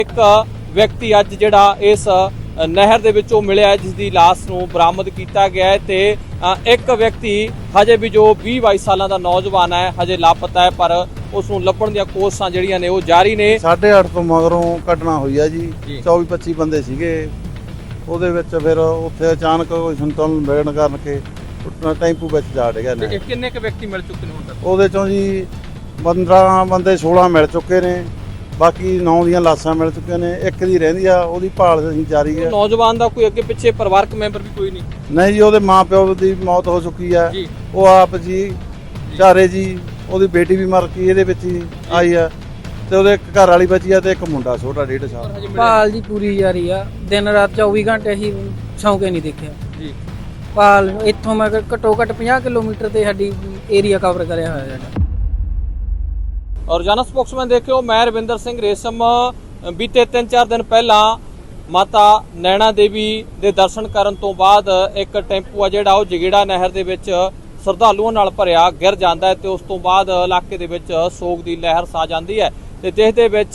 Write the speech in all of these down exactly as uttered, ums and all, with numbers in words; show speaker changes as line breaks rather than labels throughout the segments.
एक व्यक्ति अज जिहड़ा इस नहर दे विचों मिलिया जिसकी लाश नूं बरामद किया गया है ते एक व्यक्ति हजे भी जो बीस बाईस साल का नौजवान है हजे लापता है पर उसनूं लभण ਦੀਆਂ ਕੋਸ਼ਿਸ਼ਾਂ ਜਿਹੜੀਆਂ ਨੇ ਉਹ ਜਾਰੀ ਨੇ।
साढ़े अठ ਤੋਂ ਮਗਰੋਂ ਘਟਨਾ ਹੋਈ ਆ ਜੀ चौबीस पच्चीस ਬੰਦੇ ਸੀਗੇ ਉਹਦੇ ਵਿੱਚ ਫਿਰ ਉੱਥੇ ਅਚਾਨਕ ਕੋਈ ਸੰਤੁਲਨ ਵਿਗੜਨ ਕਾਰਨ ਕੇ ਟੁੱਟਣਾ ਟੈਂਪੂ ਵਿੱਚ ਜਾ ਡਿਆ ਨੇ।
ਕਿੰਨੇ ਕੁ ਵਿਅਕਤੀ ਮਿਲ ਚੁੱਕੇ ਨੇ ਹੁਣ ਤੱਕ?
ਉਹਦੇ ਚੋਂ ਜੀ पंद्रह ਬੰਦੇ सोलह ਮਿਲ ਚੁੱਕੇ ਨੇ, ਬਾਕੀ नौ ਦੀਆਂ ਲਾਸ਼ਾਂ ਮਿਲ ਚੁੱਕੀਆਂ ਨੇ, ਇੱਕ ਦੀ ਰਹਿੰਦੀ ਆ ਉਹਦੀ ਭਾਲ ਅਸੀਂ ਜਾਰੀ ਹੈ।
ਨੌਜਵਾਨ ਦਾ ਕੋਈ ਅੱਗੇ ਪਿੱਛੇ ਪਰਿਵਾਰਕ ਮੈਂਬਰ ਵੀ ਕੋਈ ਨਹੀਂ?
ਨਹੀਂ ਜੀ, ਉਹਦੇ ਮਾਂ ਪਿਓ ਦੀ ਮੌਤ ਹੋ ਚੁੱਕੀ ਆ, ਉਹ ਆਪ ਜੀ ਚਾਰੇ ਜੀ, ਉਹਦੀ ਬੇਟੀ ਵੀ ਮਰ ਗਈ ਇਹਦੇ ਵਿੱਚ ਹੀ ਆਈ ਆ ਤੇ ਉਹਦੇ ਇੱਕ ਘਰ ਵਾਲੀ ਬਚੀ ਆ ਤੇ ਇੱਕ ਮੁੰਡਾ ਛੋਟਾ डेढ़ ਸਾਲ।
ਭਾਲ ਜੀ ਪੂਰੀ ਜਾਰੀ ਆ, ਦਿਨ ਰਾਤ ਚੌਵੀ ਘੰਟੇ ਅਸੀਂ ਸੌਂ ਕੇ ਨਹੀਂ ਦੇਖਿਆ
ਜੀ।
ਭਾਲ ਇੱਥੋਂ ਮੈਂ ਘੱਟੋ ਘੱਟ ਪੰਜਾਹ ਕਿਲੋਮੀਟਰ ਤੇ ਸਾਡੀ ਏਰੀਆ ਕਵਰ ਕਰਿਆ ਹੋਇਆ ਸਾਡਾ।
और जाना स्पोक्समैन देखियो मैं रविंदर सिंह रेशम बीते तीन चार दिन पहला माता नैना देवी दे दर्शन करन तो बाद एक टैंपू आ जिहड़ा ਉਹ ਜਗੀੜਾ ਨਹਿਰ ਦੇ ਵਿੱਚ ਸ਼ਰਧਾਲੂਆਂ ਨਾਲ ਭਰਿਆ ਗਿਰ ਜਾਂਦਾ ਹੈ ਤੇ ਉਸ ਤੋਂ ਬਾਅਦ ਇਲਾਕੇ ਦੇ ਵਿੱਚ ਸੋਗ ਦੀ ਲਹਿਰ ਛਾ ਜਾਂਦੀ ਹੈ ਤੇ ਜਿਸ ਦੇ ਵਿੱਚ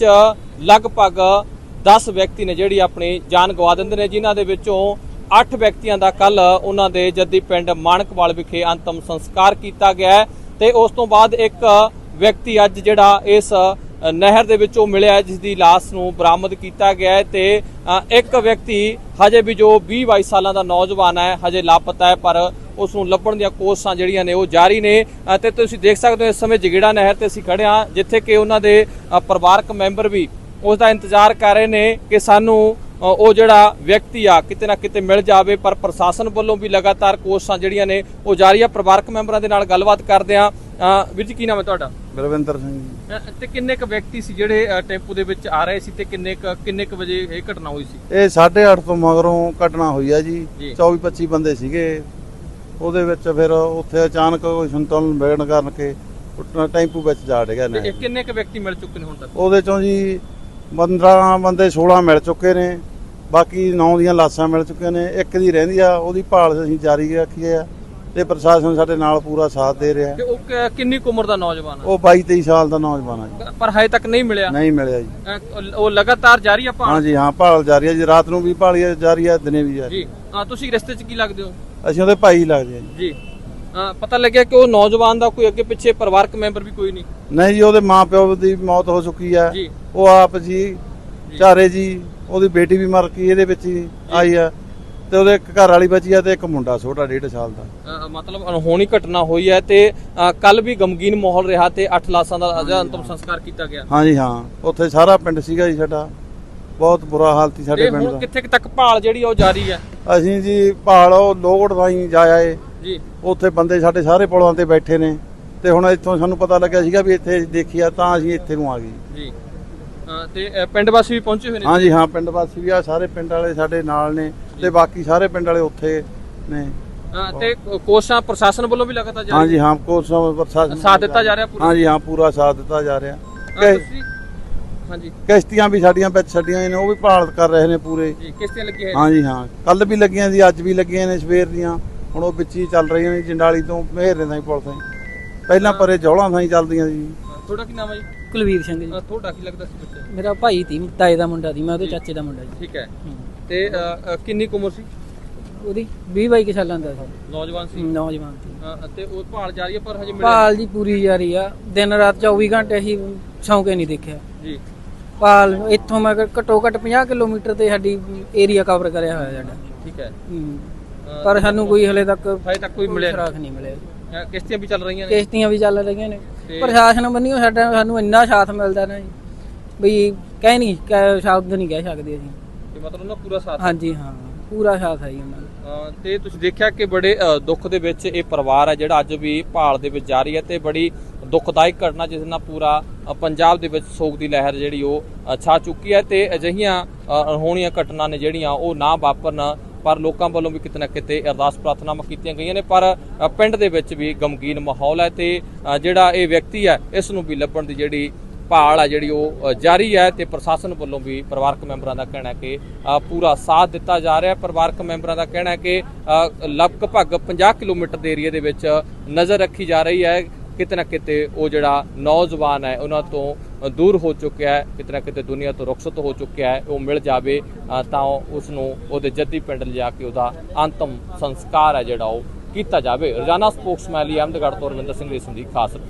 ਲਗਭਗ दस ਵਿਅਕਤੀ ਨੇ ਜਿਹੜੀ ਆਪਣੀ ਜਾਨ ਗਵਾ ਦਿੰਦੇ ਨੇ, ਜਿਨ੍ਹਾਂ ਦੇ ਵਿੱਚੋਂ ਅੱਠ ਵਿਅਕਤੀਆਂ ਦਾ ਕੱਲ ਉਹਨਾਂ ਦੇ ਜੱਦੀ ਪਿੰਡ ਮਾਣਕਵਾਲ ਵਿਖੇ ਅੰਤਮ ਸੰਸਕਾਰ ਕੀਤਾ ਗਿਆ ਤੇ ਉਸ ਤੋਂ ਬਾਅਦ ਇੱਕ ਵਿਅਕਤੀ ਅੱਜ ਜਿਹੜਾ ਇਸ ਨਹਿਰ ਦੇ ਵਿੱਚੋਂ ਮਿਲਿਆ ਜਿਸਦੀ ਲਾਸ਼ ਨੂੰ ਬਰਾਮਦ ਕੀਤਾ ਗਿਆ ਹੈ ਤੇ ਇੱਕ ਵਿਅਕਤੀ ਹਜੇ ਵੀ ਜੋ बीस बाईस ਸਾਲਾਂ ਦਾ ਨੌਜਵਾਨ ਹੈ ਹਜੇ ਲਾਪਤਾ ਹੈ ਪਰ ਉਸ ਨੂੰ ਲੱਭਣ ਦੀਆਂ ਕੋਸ਼ਿਸ਼ਾਂ ਜਿਹੜੀਆਂ ਨੇ ਉਹ ਜਾਰੀ ਨੇ। ਤੇ ਤੁਸੀਂ ਦੇਖ ਸਕਦੇ ਹੋ ਇਸ ਸਮੇਂ ਜਗੀੜਾ ਨਹਿਰ ਤੇ ਅਸੀਂ ਖੜੇ ਹਾਂ ਜਿੱਥੇ ਕਿ ਉਹਨਾਂ ਦੇ ਪਰਿਵਾਰਕ ਮੈਂਬਰ ਵੀ ਉਸ ਦਾ ਇੰਤਜ਼ਾਰ ਕਰ ਰਹੇ ਨੇ ਕਿ ਸਾਨੂੰ ਉਹ ਜਿਹੜਾ ਵਿਅਕਤੀ ਆ ਕਿਤੇ ਨਾ ਕਿਤੇ ਮਿਲ ਜਾਵੇ, ਪਰ ਪ੍ਰਸ਼ਾਸਨ ਵੱਲੋਂ ਵੀ ਲਗਾਤਾਰ ਕੋਸ਼ਿਸ਼ਾਂ ਜਿਹੜੀਆਂ ਨੇ ਉਹ ਜਾਰੀ ਆ। ਪਰਿਵਾਰਕ ਮੈਂਬਰਾਂ ਦੇ ਨਾਲ ਗੱਲਬਾਤ ਕਰਦੇ ਆ। ਵੀਰ ਜੀ ਕੀ ਨਾਮ ਹੈ ਤੁਹਾਡਾ?
ਰਵਿੰਦਰ ਸਿੰਘ ਜੀ।
ਤੇ ਕਿੰਨੇ ਕੁ ਵਿਅਕਤੀ ਸੀ ਜਿਹੜੇ ਟੈਂਪੂ ਦੇ ਵਿੱਚ ਆ ਰਹੇ ਸੀ ਤੇ ਕਿੰਨੇ ਕੁ ਕਿੰਨੇ ਕੁ ਵਜੇ ਇਹ ਘਟਨਾ ਹੋਈ ਸੀ?
ਇਹ ਸਾਢੇ ਅੱਠ ਤੋਂ ਮਗਰੋਂ ਘਟਨਾ ਹੋਈ ਆ ਜੀ ਚੌਬੀ ਪੱਚੀ ਬੰਦੇ ਸੀਗੇ ਉਹਦੇ ਵਿੱਚ ਫਿਰ ਉੱਥੇ ਅਚਾਨਕ ਕੋਈ ਸੰਤੁਲਨ ਵਿਗੜਨ ਕਾਰਨ ਕੇ ਟੁੱਟਣਾ ਟੈਂਪੂ ਵਿੱਚ ਜਾ ਡਿਆ ਨੇ।
ਕਿੰਨੇ ਕੁ ਵਿਅਕਤੀ ਮਿਲ ਚੁੱਕੇ ਨੇ ਹੁਣ ਤੱਕ?
ਉਹਦੇ ਚੋਂ ਜੀ पंद्रह ਬੰਦੇ सोलह ਮਿਲ ਚੁੱਕੇ ਨੇ, ਬਾਕੀ नौ ਦੀਆਂ ਲਾਸ਼ਾਂ ਮਿਲ ਚੁੱਕੀਆਂ ਨੇ, ਇੱਕ ਦੀ ਰਹਿੰਦੀ ਆ ਉਹਦੀ ਭਾਲ ਅਸੀਂ ਜਾਰੀ ਰੱਖੀ ਆ ਤੇ ਪ੍ਰਸ਼ਾਸਨ ਸਾਡੇ ਨਾਲ ਪੂਰਾ ਸਾਥ ਦੇ ਰਿਹਾ।
ਤੇ ਉਹ ਕਿੰਨੀ ਕੁ ਉਮਰ ਦਾ ਨੌਜਵਾਨ ਹੈ?
ਉਹ ਬਾਈ ਤੇਈ ਸਾਲ ਦਾ ਨੌਜਵਾਨ ਆ ਜੀ,
ਪਰ ਹਜੇ ਤੱਕ ਨਹੀਂ ਮਿਲਿਆ?
ਨਹੀਂ ਮਿਲਿਆ ਜੀ।
ਉਹ ਲਗਾਤਾਰ ਜਾਰੀ ਆ ਭਾਲ?
ਹਾਂ ਜੀ ਹਾਂ, ਭਾਲ ਜਾਰੀ ਆ ਜੀ, ਰਾਤ ਨੂੰ ਵੀ ਭਾਲ ਜਾਰੀ ਆ, ਦਿਨੇ ਵੀ ਜਾਰੀ।
ਜੀ ਹਾਂ, ਤੁਸੀਂ ਰਸਤੇ 'ਚ ਕੀ ਲੱਗਦੇ ਹੋ?
ਅਸੀਂ ਉਹਦੇ ਭਾਈ ਲੱਗਦੇ ਆ ਜੀ।
ਜੀ ਹਾਂ, ਪਤਾ ਲੱਗਿਆ ਕਿ ਉਹ ਨੌਜਵਾਨ ਦਾ ਕੋਈ ਅੱਗੇ ਪਿੱਛੇ ਪਰਿਵਾਰਕ ਮੈਂਬਰ ਵੀ ਕੋਈ ਨਹੀਂ?
ਨਹੀਂ ਜੀ, ਉਹਦੇ ਮਾਂ ਪਿਓ ਦੀ ਮੌਤ ਹੋ ਚੁੱਕੀ ਆ,
ਜੀ
ਉਹ ਆਪ ਜੀ ਚਾਰੇ ਜੀ, ਉਹਦੀ ਬੇਟੀ ਵੀ ਮਰ ਗਈ ਇਹਦੇ ਵਿੱਚ ਹੀ ਆਈ ਆ ਤੇ ਉਹਦੇ ਇੱਕ ਘਰ ਵਾਲੀ ਬਚੀ ਆ ਤੇ ਇੱਕ ਮੁੰਡਾ ਛੋਟਾ डेढ़ ਸਾਲ ਦਾ।
ਮਤਲਬ ਅਣਹੋਣੀ ਘਟਨਾ ਹੋਈ ਹੈ ਤੇ ਕੱਲ ਵੀ ਗਮਗੀਨ ਮਾਹੌਲ ਰਿਹਾ ਤੇ ਅੱਠ ਲਾਸ਼ਾਂ ਦਾ ਅੰਤਮ ਸੰਸਕਾਰ ਕੀਤਾ ਗਿਆ।
ਹਾਂ ਜੀ ਹਾਂ, ਉੱਥੇ ਸਾਰਾ ਪਿੰਡ ਸੀਗਾ ਜੀ ਸਾਡਾ, ਬਹੁਤ ਬੁਰਾ ਹਾਲਤ ਸੀ ਸਾਡੇ ਪਿੰਡ ਦਾ।
ਕਿੱਥੇ ਤੱਕ ਭਾਲ ਜਿਹੜੀ ਉਹ ਜਾਰੀ ਹੈ?
ਅਸੀਂ ਜੀ ਭਾਲ ਉਹ ਲੋਗੜ ਥਾਈ ਜਾਇਆ ਏ
ਜੀ,
ਉੱਥੇ ਬੰਦੇ ਸਾਡੇ ਸਾਰੇ ਪੁਲਾਂ ਤੇ ਬੈਠੇ ਨੇ ਤੇ ਹੁਣ ਇੱਥੋਂ ਸਾਨੂੰ ਪਤਾ ਲੱਗਿਆ ਸੀਗਾ ਵੀ ਇੱਥੇ ਦੇਖਿਆ ਤਾਂ ਅਸੀਂ ਇੱਥੇ ਨੂੰ ਆ ਗਏ ਜੀ।
ਤੇ ਪਿੰਡ ਵਾਸੀ ਵੀ ਪਹੁੰਚੇ ਹੋਏ ਨੇ?
ਹਾਂ ਜੀ ਹਾਂ, ਪਿੰਡ ਵਾਸੀ ਵੀ ਆ, ਸਾਰੇ ਪਿੰਡ ਵਾਲੇ ਸਾਡੇ ਨਾਲ ਨੇ ਤੇ ਬਾਕੀ ਸਾਰੇ ਪਿੰਡ ਵਾਲੇ ਉੱਥੇ ਨੇ।
ਤੇ ਕੋਸ਼ਿਸ਼ਾਂ ਪ੍ਰਸ਼ਾਸਨ ਵੱਲੋਂ ਵੀ ਲਗਾਤਾਰ ਜਾਰੀ?
ਹਾਂ ਜੀ ਹਾਂ, ਕੋਸ਼ਿਸ਼ਾਂ ਪ੍ਰਸ਼ਾਸਨ
ਸਾਥ ਦਿੱਤਾ ਜਾ ਰਿਹਾ ਪੂਰਾ?
ਹਾਂ ਜੀ ਹਾਂ, ਪੂਰਾ ਸਾਥ ਦਿੱਤਾ ਜਾ ਰਿਹਾ।
ਹਾਂਜੀ,
ਕਿਸ਼ਤੀਆਂ ਵੀ ਸਾਡੀਆਂ ਵਿੱਚ ਛੱਡੀਆਂ ਨੇ, ਉਹ ਵੀ ਭਾਲ ਕਰ ਰਹੇ ਨੇ ਪੂਰੇ
ਜੀ। ਕਿਸ਼ਤੀਆਂ ਲੱਗੀਆਂ?
ਹਾਂ ਜੀ ਹਾਂ, ਕੱਲ ਵੀ ਲੱਗੀਆਂ ਸੀ, ਅੱਜ ਵੀ ਲੱਗੀਆਂ ਨੇ ਸਵੇਰ ਦੀਆਂ, ਹੁਣ ਉਹ ਵਿੱਚ ਹੀ ਚੱਲ ਰਹੀਆਂ ਨੇ ਜੰਡਾਲੀ ਤੋਂ ਮਹਿਰੇ ਤਾਈਂ ਪੁਲ ਤਾਈਂ, ਪਹਿਲਾਂ ਪਰੇ ਜੌਲਾਂ ਤਾਈਂ ਚੱਲਦੀਆਂ ਸੀ।
ਤੁਹਾਡਾ ਕੀ ਨਾਮ ਹੈ ਜੀ?
ਕੁਲਵੀਰ ਸਿੰਘ ਜੀ।
ਤੁਹਾਡਾ ਕੀ ਲੱਗਦਾ ਸੀ ਬੱਚਾ?
ਮੇਰਾ ਭਾਈ ਸੀ, ਤਾਏ ਦਾ ਮੁੰਡਾ ਸੀ, ਮੈਂ ਉਹਦੇ ਚਾਚੇ ਦਾ ਮੁੰਡਾ ਜੀ।
ਠੀਕ ਹੈ। ਤੇ ਕਿੰਨੀ ਕੁ ਉਮਰ ਸੀ
ਉਹਦੀ ਵੀਹ ਬਾਈ ਸਾਲਾਂ ਦਾ ਸੀ।
ਨੌਜਵਾਨ ਸੀ?
ਨੌਜਵਾਨ ਸੀ।
ਤੇ ਉਹ ਭਾਲ ਜਾਰੀ ਹੈ ਪਰ ਹਜੇ ਮਿਲਿਆ?
ਭਾਲ ਜੀ ਪੂਰੀ ਜਾਰੀ ਆ, ਦਿਨ ਰਾਤ ਚੌਵੀ ਘੰਟੇ ਅਸੀਂ ਸੌਂ ਕੇ ਨਹੀਂ ਦੇਖਿਆ
ਜੀ।
ਭਾਲ ਇੱਥੋਂ ਮੈਂ ਘੱਟੋ ਘੱਟ ਪੰਜਾਹ ਕਿਲੋਮੀਟਰ ਤੇ ਸਾਡੀ ਏਰੀਆ ਕਵਰ ਕਰਿਆ ਹੋਇਆ ਸਾਡਾ।
ਠੀਕ ਹੈ।
ਪਰ ਸਾਨੂੰ ਕੋਈ ਹਲੇ ਤੱਕ
ਹਜੇ ਤੱਕ ਕੋਈ ਮਿਲਿਆ
ਸੁਰਾਖ ਨਹੀਂ ਮਿਲਿਆ।
ਕਿਸ਼ਤੀਆਂ ਵੀ ਚੱਲ ਰਹੀਆਂ ਨੇ?
ਕਿਸ਼ਤੀਆਂ ਵੀ ਚੱਲ ਰਹੀਆਂ ਨੇ। ਪ੍ਰਸ਼ਾਸਨ ਬੰਨਿਓ ਸਾਡਾ ਸਾਨੂੰ ਇੰਨਾ ਸਾਥ ਮਿਲਦਾ ਨਾ ਜੀ, ਬਈ ਕਹਿ ਨਹੀਂ ਸ਼ਬਦ ਨਹੀਂ ਕਹਿ ਸਕਦੇ ਅਸੀਂ।
ਤੇ ਮਤਲਬ ਨਾ ਪੂਰਾ ਸਾਥ?
ਹਾਂਜੀ ਹਾਂ, ਪੂਰਾ ਸਾਥ ਹੈ ਜੀ ਉਹਨਾਂ ਦਾ।
ਤੇ ਤੁਸੀਂ ਦੇਖਿਆ ਕਿ ਬੜੇ ਦੁੱਖ ਦੇ ਵਿੱਚ ਇਹ ਪਰਿਵਾਰ ਹੈ ਜਿਹੜਾ ਅੱਜ ਵੀ ਭਾਲ ਦੇ ਵਿੱਚ ਜਾਰੀ ਹੈ ਤੇ ਬੜੀ ਦੁਖਦਾਇਕ ਘਟਨਾ ਜਿਸ ਨਾਲ ਪੂਰਾ ਪੰਜਾਬ ਦੇ ਵਿੱਚ ਸੋਗ ਦੀ ਲਹਿਰ ਜਿਹੜੀ ਉਹ ਛਾ ਚੁੱਕੀ ਹੈ ਤੇ ਅਜਿਹੀਆਂ ਅਣਹੋਣੀਆਂ ਘਟਨਾ ਨੇ ਜਿਹੜੀਆਂ ਉਹ ਨਾ ਵਾਪਰਨ, ਪਰ ਲੋਕਾਂ ਵੱਲੋਂ ਵੀ ਕਿਤੇ ਨਾ ਕਿਤੇ ਅਰਦਾਸ ਪ੍ਰਾਰਥਨਾਵਾਂ ਕੀਤੀਆਂ ਗਈਆਂ ਨੇ, ਪਰ ਪਿੰਡ ਦੇ ਵਿੱਚ ਵੀ ਗਮਗੀਨ ਮਾਹੌਲ ਹੈ ਤੇ ਜਿਹੜਾ ਇਹ ਵਿਅਕਤੀ ਹੈ ਇਸ ਨੂੰ ਵੀ ਲੱਭਣ ਦੀ ਜਿਹੜੀ ਭਾਲ ਹੈ ਜਿਹੜੀ ਉਹ ਜਾਰੀ ਹੈ ਤੇ ਪ੍ਰਸ਼ਾਸਨ ਵੱਲੋਂ ਵੀ ਪਰਿਵਾਰਕ ਮੈਂਬਰਾਂ ਦਾ ਕਹਿਣਾ ਹੈ ਕਿ ਪੂਰਾ ਸਾਥ ਦਿੱਤਾ ਜਾ ਰਿਹਾ ਹੈ। ਪਰਿਵਾਰਕ ਮੈਂਬਰਾਂ ਦਾ ਕਹਿਣਾ ਹੈ ਕਿ ਲਗਭਗ ਪੰਜਾਹ ਕਿਲੋਮੀਟਰ ਦੇ ਏਰੀਏ ਦੇ ਵਿੱਚ ਨਜ਼ਰ ਰੱਖੀ ਜਾ ਰਹੀ ਹੈ ਕਿਤੇ ਨਾ ਕਿਤੇ ਉਹ ਜਿਹੜਾ ਨੌਜਵਾਨ ਹੈ ਉਹਨਾਂ ਤੋਂ ਦੂਰ ਹੋ ਚੁੱਕਿਆ ਹੈ, ਕਿਤੇ ਨਾ ਕਿਤੇ ਦੁਨੀਆ ਤੋਂ ਰੁਖਸਤ ਹੋ ਚੁੱਕਿਆ ਹੈ, ਉਹ ਮਿਲ ਜਾਵੇ ਤਾਂ ਉਸ ਨੂੰ ਉਹਦੇ ਜੱਦੀ ਪਿੰਡ ਲਿਜਾ ਕੇ ਉਹਦਾ ਅੰਤਮ ਸੰਸਕਾਰ ਹੈ ਜਿਹੜਾ ਉਹ ਕੀਤਾ ਜਾਵੇ। ਰੋਜ਼ਾਨਾ ਸਪੋਕਸਮੈਨ ਲਈ ਅਹਿਮਦਗੜ੍ਹ ਤੋਂ ਰਵਿੰਦਰ ਸਿੰਘ ਰੇਸ਼ਮ ਦੀ ਖਾਸ